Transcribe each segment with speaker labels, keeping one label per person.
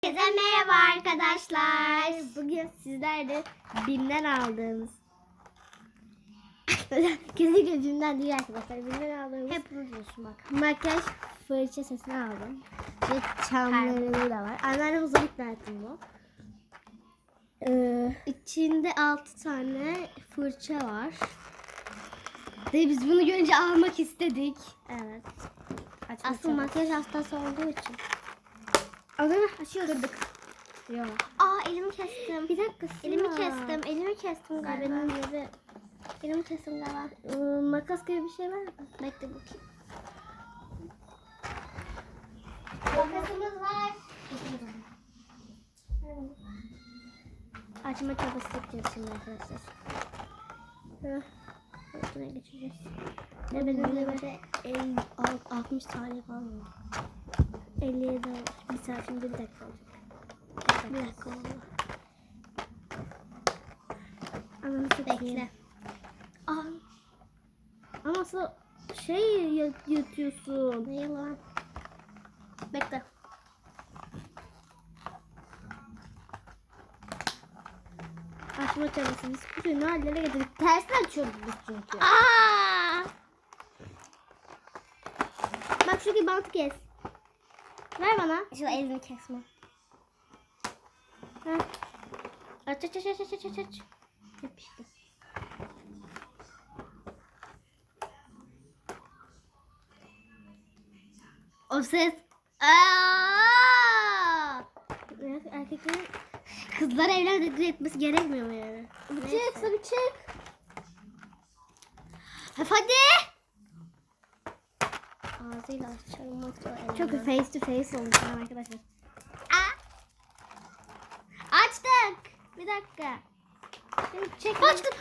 Speaker 1: Herkese merhaba arkadaşlar. Bugün sizlerle BİM'den aldığımız kesinlikle BİM'den değil arkadaşlar. BİM'den aldığımız hep unutuyorsun bak. Makyaj fırça sesini aldım. Ve çamları da var. Anneannem uzun ikna ettim bu. İçinde 6 tane fırça var. Ve biz bunu görünce almak istedik. Evet. Aslında makyaj hastası olduğu için. Adını açıyoruz. Kırdık. Yok. Elimi kestim. Bir dakika. Elimi kestim galiba. Elimi kestim galiba. Makas gibi bir şey var mı? Bekle bakayım. Makasımız var. Açma çabası yapacağız şimdi arkadaşlar. Şuna geçeceğiz. Ne benim de 60 tane falan var. 57 olmuş. Bir saat şimdi bir dakika olacak. Bir dakika oldu. Ananı bekle. Ama nasıl şey yatıyorsun? Ne yalan? Bekle. Açma çabası. Biz kutuyu ne hallere getirdik? Tersten açıyoruz biz çünkü. Bak şuradaki bantı kes. Ver bana. Şu elini kesme. Ha. Aç. Yapıştı. O ses. Erkeklerin kızlar evlendirdi etmesi gerekmiyor mu yani? Bir çık. Hadi. Ağzıyla açalım. Çok face to face olmuş arkadaşlar. Açtık. Bir dakika. Çek. Açtım.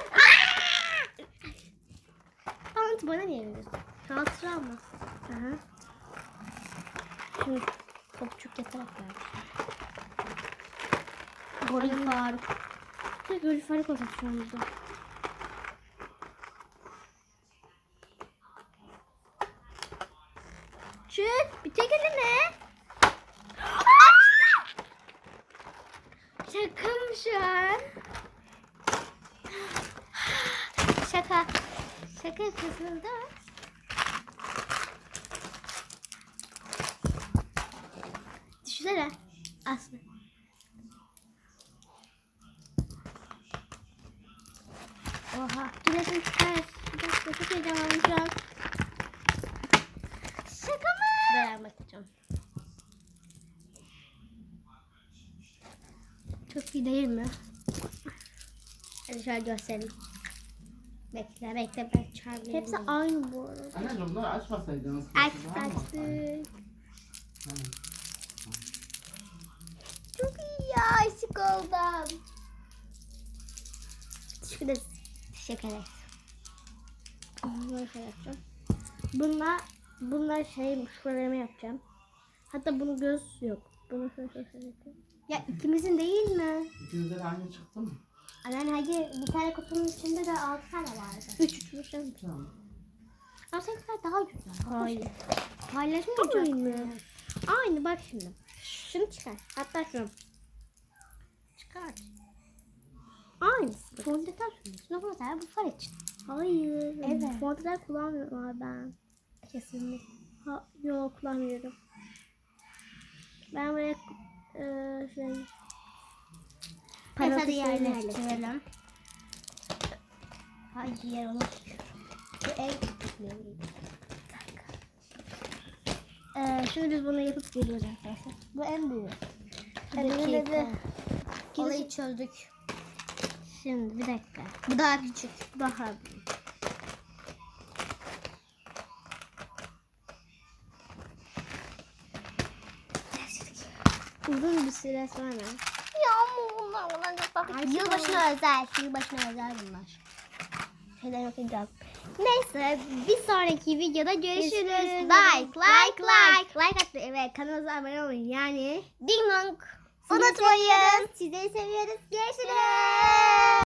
Speaker 1: Bant bana niye veriyorsun? Hatıra mı? Aha. Şimdi topçuk yatarak ver. Goril Faruk. Goril Faruk olacak şu anda. Çık. Bir tek elini. Şaka mı şu an? Şaka. Şaka yapıyorsunuz değil mi? Düşünsene. Aslı. Oha. Güneşin çıkar. Bir dakika çok heyecanlandım şu an. Şaka mı? Ver bakacağım. Çok iyi değil mi? Hadi şöyle göstereyim. Bekle ben çağırayım. Hepsi aynı bu arada.
Speaker 2: Anneciğim bunları açmasaydınız.
Speaker 1: Açtık. Çok iyi ya, aşık oldum. Şurada teşekkür ederiz. Bunları şey yapacağım. Bunlar şuralarımı yapacağım. Hatta bunun göz yok. Bunu şöyle yapayım. Ya ikimizin değil mi?
Speaker 2: İkinizde de aynı çıktı mı?
Speaker 1: Hayır, bir tane kutunun içinde de 6 tane vardı. 3
Speaker 2: Tamam.
Speaker 1: Ama seninkiler daha güzel. Hayır. Paylaşmayacak mı? Aynı bak şimdi. Şunu çıkar. Hatta şunu. Çıkar. Aynısı. Fondöten sürüyorsun. Ama mesela bu far için. Hayır. Evet. Fondöten kullanmıyorum ben. Kesinlikle. Yok kullanmıyorum. Ben buraya parası yerleştirelim. Hayır onu. Bu en şimdi biz bunu yapıp geliyoruz arkadaşlar. Bu en büyük. Olayı çözdük. Şimdi bir dakika. Bu daha küçük. Daha büyük. Uzun bir süre sonra. Bunlar çok tatlı. Yılbaşına özel bunlar. Şeyden yapacağım. Neyse bir sonraki videoda görüşürüz. Like atmayı ve kanalımıza abone olun. Yani ding dong unutmayın. Sizleri seviyoruz. Görüşürüz.